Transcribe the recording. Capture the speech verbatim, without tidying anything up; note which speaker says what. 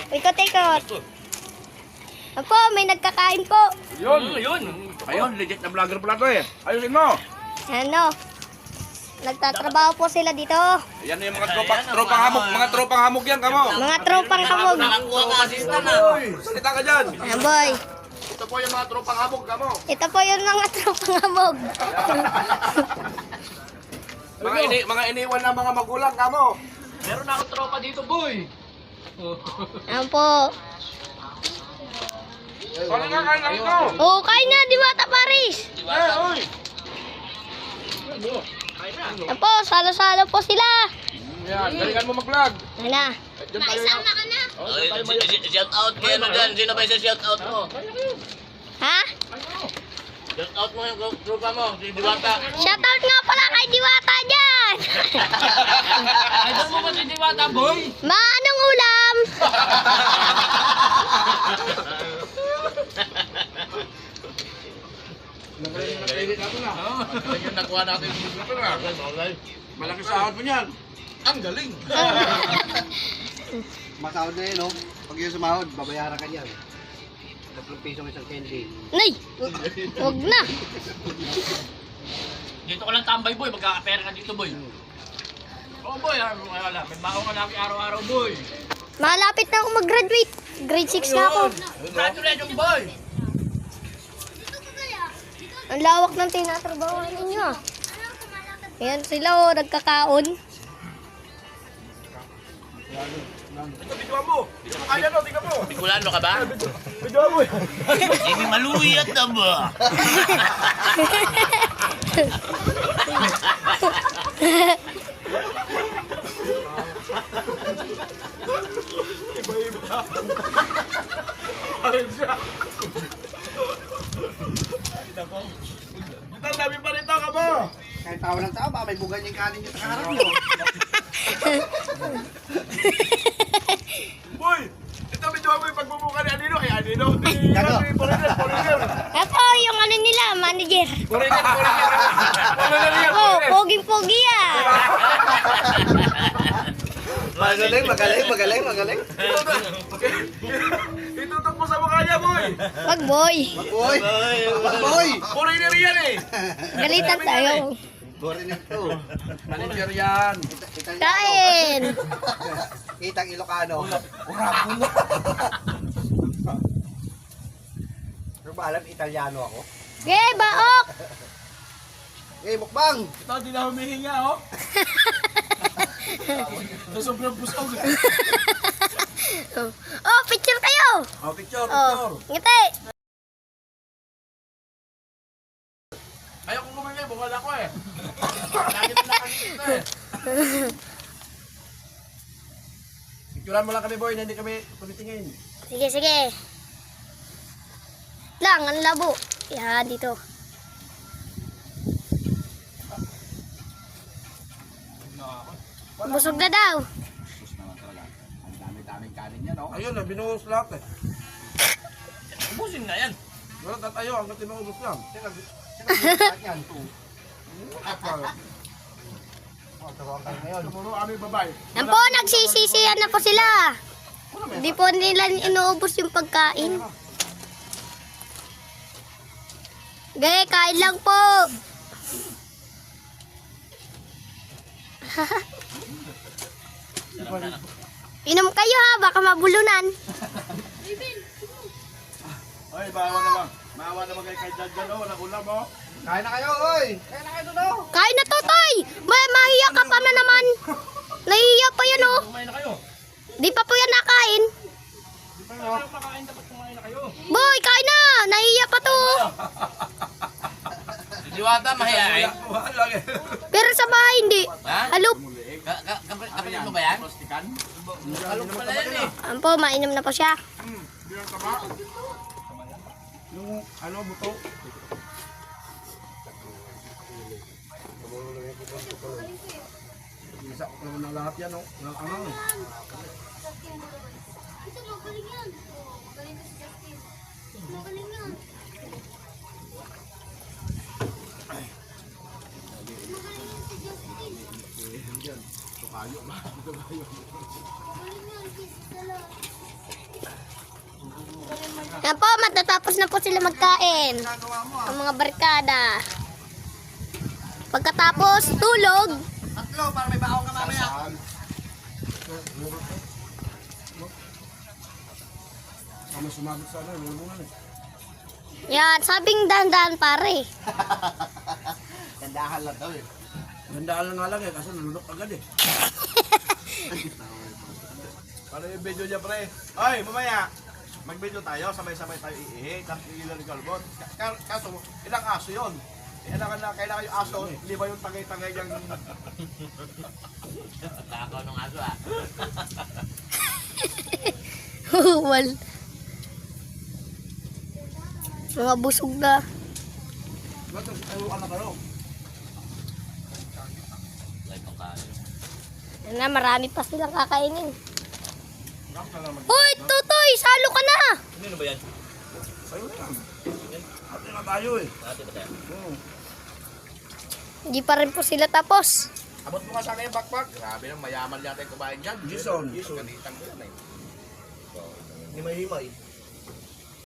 Speaker 1: Ikot-ikot. Opo, may nagkakain po.
Speaker 2: Yun, yun. Ayun, legit na vlogger pala to eh. Ayusin mo.
Speaker 1: Ano? Nagtatrabaho po sila dito.
Speaker 2: Yan yung mga tropa, tropang hamog, mga tropang hamog yan, kamo.
Speaker 1: Mga tropang hamog.
Speaker 3: Nakakuha ka assistant na.
Speaker 2: Salita ka dyan.
Speaker 1: Ah, boy.
Speaker 2: Ito po yung mga tropang hamog, kamo.
Speaker 1: Ito po yung mga tropang hamog.
Speaker 2: Mga ini mga iniwan ng mga magulang, kamo.
Speaker 3: Meron na akong tropa dito, boy.
Speaker 1: Ayan po.
Speaker 2: Kali nga, kain lang ito.
Speaker 1: Oh, kain na, Diwata Paris.
Speaker 2: Eh, uy.
Speaker 1: Ayan po, salo-salo po sila.
Speaker 2: Yan, galingan mo mag-vlog.
Speaker 1: Ayan na.
Speaker 2: Diyan tayo na.
Speaker 1: ka na.
Speaker 3: Shout out kayo na dyan. Sino ba yung shout out mo?
Speaker 1: Ha?
Speaker 3: Shout out mo yung tropa mo, si Diwata.
Speaker 1: Shoutout nga pala kay Diwata dyan.
Speaker 3: Idol mo ba si Diwata, boy?
Speaker 1: Ma, anong ulam?
Speaker 2: Nakainit natin na.
Speaker 3: Ayun yung nakuha natin.
Speaker 2: Malaki sahod mo niyan.
Speaker 3: Ang galing.
Speaker 4: Masahod na yun, no? Pag yung sumahod, babayaran ka niyan. Tatlong pisong isang candy.
Speaker 1: Nay, wag na.
Speaker 3: Dito ko lang tambay, boy. Magkakapera ka dito, boy. Oo, boy. ah, Wala. May baho ka lagi araw-araw, boy.
Speaker 1: Malapit na ako mag-graduate. Grade six na ako.
Speaker 3: Congratulations, boy.
Speaker 1: Ang lawak ng tinatrabahoan ninyo. ah. Ayan sila oh, nagkakaon.
Speaker 2: Ito, bidyoan mo. Kaya no, tingnan mo.
Speaker 3: Bicolano ka ba?
Speaker 2: Bidyoan mo.
Speaker 3: Hindi maluyat na ba?
Speaker 2: Ayun siya. Ito, dami pa rin ito, kamo.
Speaker 4: Kahit tawa ng tao, baka may bugan yung kanin yung nakaharap nyo.
Speaker 2: Boy, ito bidyoan mo yung pagbubuka ni Anino. Ay, Anino.
Speaker 4: Ano?
Speaker 2: Foreigner, foreigner.
Speaker 1: Ako, yung ano nila, manager.
Speaker 2: Foreigner, foreigner. Foreigner yan,
Speaker 1: Ako,
Speaker 2: foreigner.
Speaker 1: poging-pogi ah.
Speaker 4: Magaling, magaling, magaling, magaling.
Speaker 2: Itutok mo sa mukha niya, boy.
Speaker 1: Wag boy.
Speaker 4: Boy! Boy!
Speaker 2: Foreigner yan eh.
Speaker 1: Galitan tayo.
Speaker 4: Borin ito.
Speaker 2: Manager yan.
Speaker 1: Kain.
Speaker 4: Kitang Ilocano. Pero ba alam, Italiano ako?
Speaker 1: Okay, baok.
Speaker 4: Eh, mukbang!
Speaker 2: Ito, di na humihinga, oh. Sa sobrang busog.
Speaker 1: Oh, picture kayo.
Speaker 2: Oh, picture,
Speaker 1: Oh, ngiti.
Speaker 2: Ayaw kong kumingay, bukal ako eh. Lagi na nakakita eh. Picturean mo lang kami, boy, na hindi kami tumitingin.
Speaker 1: Sige, sige. Lang, ang labo. Yan, dito. Busog na daw.
Speaker 4: Ang dami-daming kanin yan, oh.
Speaker 2: Ayun, binuhos lahat eh.
Speaker 3: Ubusin nga yan.
Speaker 2: Wala tatayo, hanggang tinuubos lang.
Speaker 4: Sino sino yan?
Speaker 2: Apa.
Speaker 4: Oh, tawag kayo ngayon.
Speaker 2: Puro aming babae.
Speaker 1: Yan po, nagsisisiyan na po sila. Hindi po nila inuubos yung pagkain. Gaya, kain lang po. Inom kayo ha, baka mabulunan.
Speaker 2: Ay, bawa naman. Maawa naman kay kay Dad dyan, oh. Walang ulam, oh.
Speaker 4: Kain na kayo, oy! Kain na kayo doon, oh!
Speaker 1: Kain na totoy! May mahiya ka pa na naman. Nahiya pa yan oh.
Speaker 3: Kumain na kayo.
Speaker 1: Di pa po yan nakain.
Speaker 3: Kayo makain, dapat kumain na kayo.
Speaker 1: Boy, kain na! Nahiya pa to.
Speaker 3: Si Diwata, mahihain.
Speaker 2: Wala eh.
Speaker 1: Pero sa bahay hindi.
Speaker 3: Ha?
Speaker 1: Halop.
Speaker 3: Ka- ka- kapit- Kapatid mo ba yan? Alok pala yan eh.
Speaker 1: Ayan po, mainom na po siya.
Speaker 2: Hindi lang tama. Yung ano, buto. Isa ko naman ng lahat yan, oh. Ng ano, eh.
Speaker 1: Ito, magaling yan. Magaling na si Justin. Magaling yan.
Speaker 2: Tukayo, mga tukayo.
Speaker 1: Magaling yan, kiss sa lahat. Yan po, matatapos na po sila magkain.
Speaker 4: Ginagawa mo ah.
Speaker 1: Ang mga barkada. Pagkatapos, tulog.
Speaker 4: Tatlo, para may baon ka mamaya.
Speaker 2: Kami sumagot sa ano, lulungan eh.
Speaker 1: Yan, sabing dahan-dahan pare.
Speaker 4: Tandahan lang daw eh.
Speaker 2: Gandaan lang nga lang eh, kasi nalunok agad eh. Para yung video niya pre. Oy, mamaya. Mag-video tayo, sabay-sabay tayo iihi, tapos iilan yung kalbot. Ka- Kaso, ilang aso yun? Kailangan na, kailangan yung aso, lima yung tagay-tagay yung...
Speaker 3: Takaw ng aso ah.
Speaker 1: Huwal. Mga busog na.
Speaker 2: Ba't nagtaruan na kayo?
Speaker 3: Like ang kain.
Speaker 1: Yan na, marami pa silang kakainin.
Speaker 2: Nakam ka lang mag-
Speaker 1: Hoy, Tutoy! Salo ka na!
Speaker 3: Ano ba yan?
Speaker 2: Sa'yo na yan. Ate na tayo eh.
Speaker 3: Dati ba tayo?
Speaker 2: Hmm.
Speaker 1: Hindi pa rin po sila tapos.
Speaker 2: Abot mo nga sana yung backpack. Grabe nang mayaman yata yung kumain dyan. Jason. Jason. Ganitang ko yan eh. Himay-himay.